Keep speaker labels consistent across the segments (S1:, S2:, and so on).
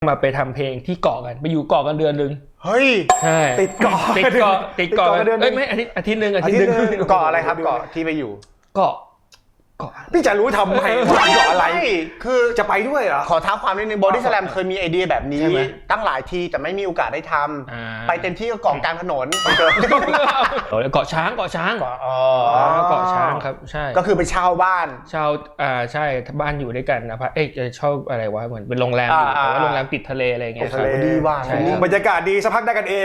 S1: มาไปทำเพลงที่เกาะกันไปอยู่เกาะกันเดือนนึง
S2: เฮ้ย
S1: ใช่
S3: ติดเกาะ
S1: กันเดือนไม่อาทิตย์นึง
S2: เกาะอะไรครับเกาะที่ไปอยู่
S1: เกาะ
S3: พี่จะรู้ทำไมเกาะอะไร
S2: คือ
S3: จะไปด้วยเหรอ
S2: ขอท้าความนิดนึงบอดี้สแลมเคยมีไอเดียแบบนี้ตั้งหลายทีแต่ไม่มีโอกาสได้ทำไปเต็มที่ก็เกาะกลางถนน
S1: เกาะช้างเกาะช้างครับใช่
S2: ก็คือไปเช่าบ้าน
S1: เช่าใช่บ้านอยู่ด้วยกันนะจะเช่าอะไรวะเหมือนเป็นโรงแรมแต่ว่าโรงแรมติดทะเลอะไรเงี้ย
S2: ครับดีว่ะ
S3: บรรยากาศดีสักพักได้กันเอง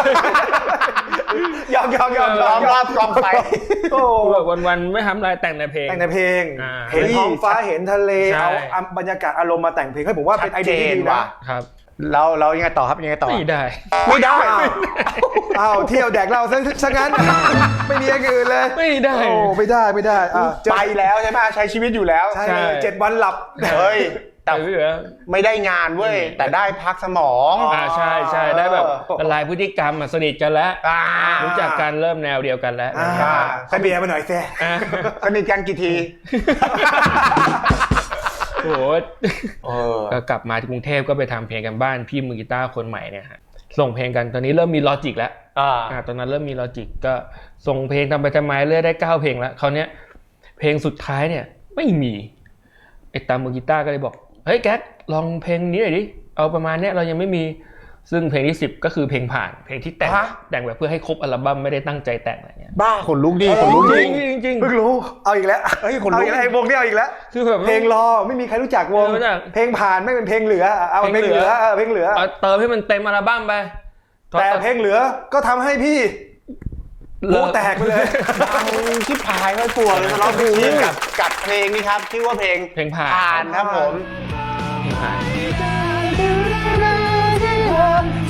S3: ยอม
S2: รอบกองไฟ
S1: โอ้วันไม่ทำอะไรแต่งในเพลง
S3: เห็นท้องฟ้าเห็นทะเลเอาบรรยากาศอารมณ์มาแต่งเพลงให้ผมว่าเป็นไอเดียที่ดี
S1: นะครับ
S2: เรายังไงต่อครับยังไงต่อ
S1: ไม่ได้
S3: อ้าวเที่ยวแดกเราซะงั้นไม่มีอย่างอื่นเลย
S1: ไม่ได้
S2: ไปแล้วใช่ไหมใช้ชีวิตอยู่แล้ว
S3: ใช่7 วันหลับ
S2: เฮ้ยแต่ไม่ได้งานเว้ยแต่ได้พักสมอง
S1: ใช่ได้แบบละลายพฤติกรรมสนิทกันแล้วรู้จักกันเริ่มแนวเดียวกันแล้ว
S3: ขอเบียร์มาหน่อยแซ่
S2: สนิทกันกี่ที
S1: โอ้ก็กลับมาที่กรุงเทพก็ไปทำเพลงกันบ้านพี่มือกีตาร์คนใหม่เนี่ยฮะส่งเพลงกันตอนนี้เริ่มมีลอจิกแล้วตอนนั้นเริ่มมีลอจิกก็ส่งเพลงทำไปทำไมเรื่อยได้9เพลงแล้วคราวนี้เพลงสุดท้ายเนี่ยไม่มีไอ้ตามมือกีตาร์ก็เลยบอกเฮ้ยแก๊กลองเพลงนี้หน่อยดิเอาประมาณนี้เรายังไม่มีซึ่งเพลงที่10ก็คือเพลงผ่านเพลงที่แต่งแบบเพื่อให้ครบอัลบั้มไม่ได้ตั้งใจแต่งอะไรเงี้ย
S2: บ้าขนลุกดีขนลุก
S1: จริง
S3: เพิ่งรู้เอาอีกแล้ว
S2: ขนลุก
S3: ไอ้วงนี้เอาอีกแล้ว
S1: คือแบบ
S3: เพลงรอไม่มีใครรู้จักวงเพลงผ่านไม่เป็นเพลงเหลือเอาเพลงเหลือ
S1: เติมให้มันเต็มอัลบั้มไป
S3: แต่เพลงเหลือก็ทำให้พี่โอ้แตกไปเลย
S2: ชิบหายไม่กลัวเลยเราดูกับเพลงนี้ครับชื่อว่าเพลง
S1: ผ่าน
S2: ครับผม
S1: เพลงผ่าน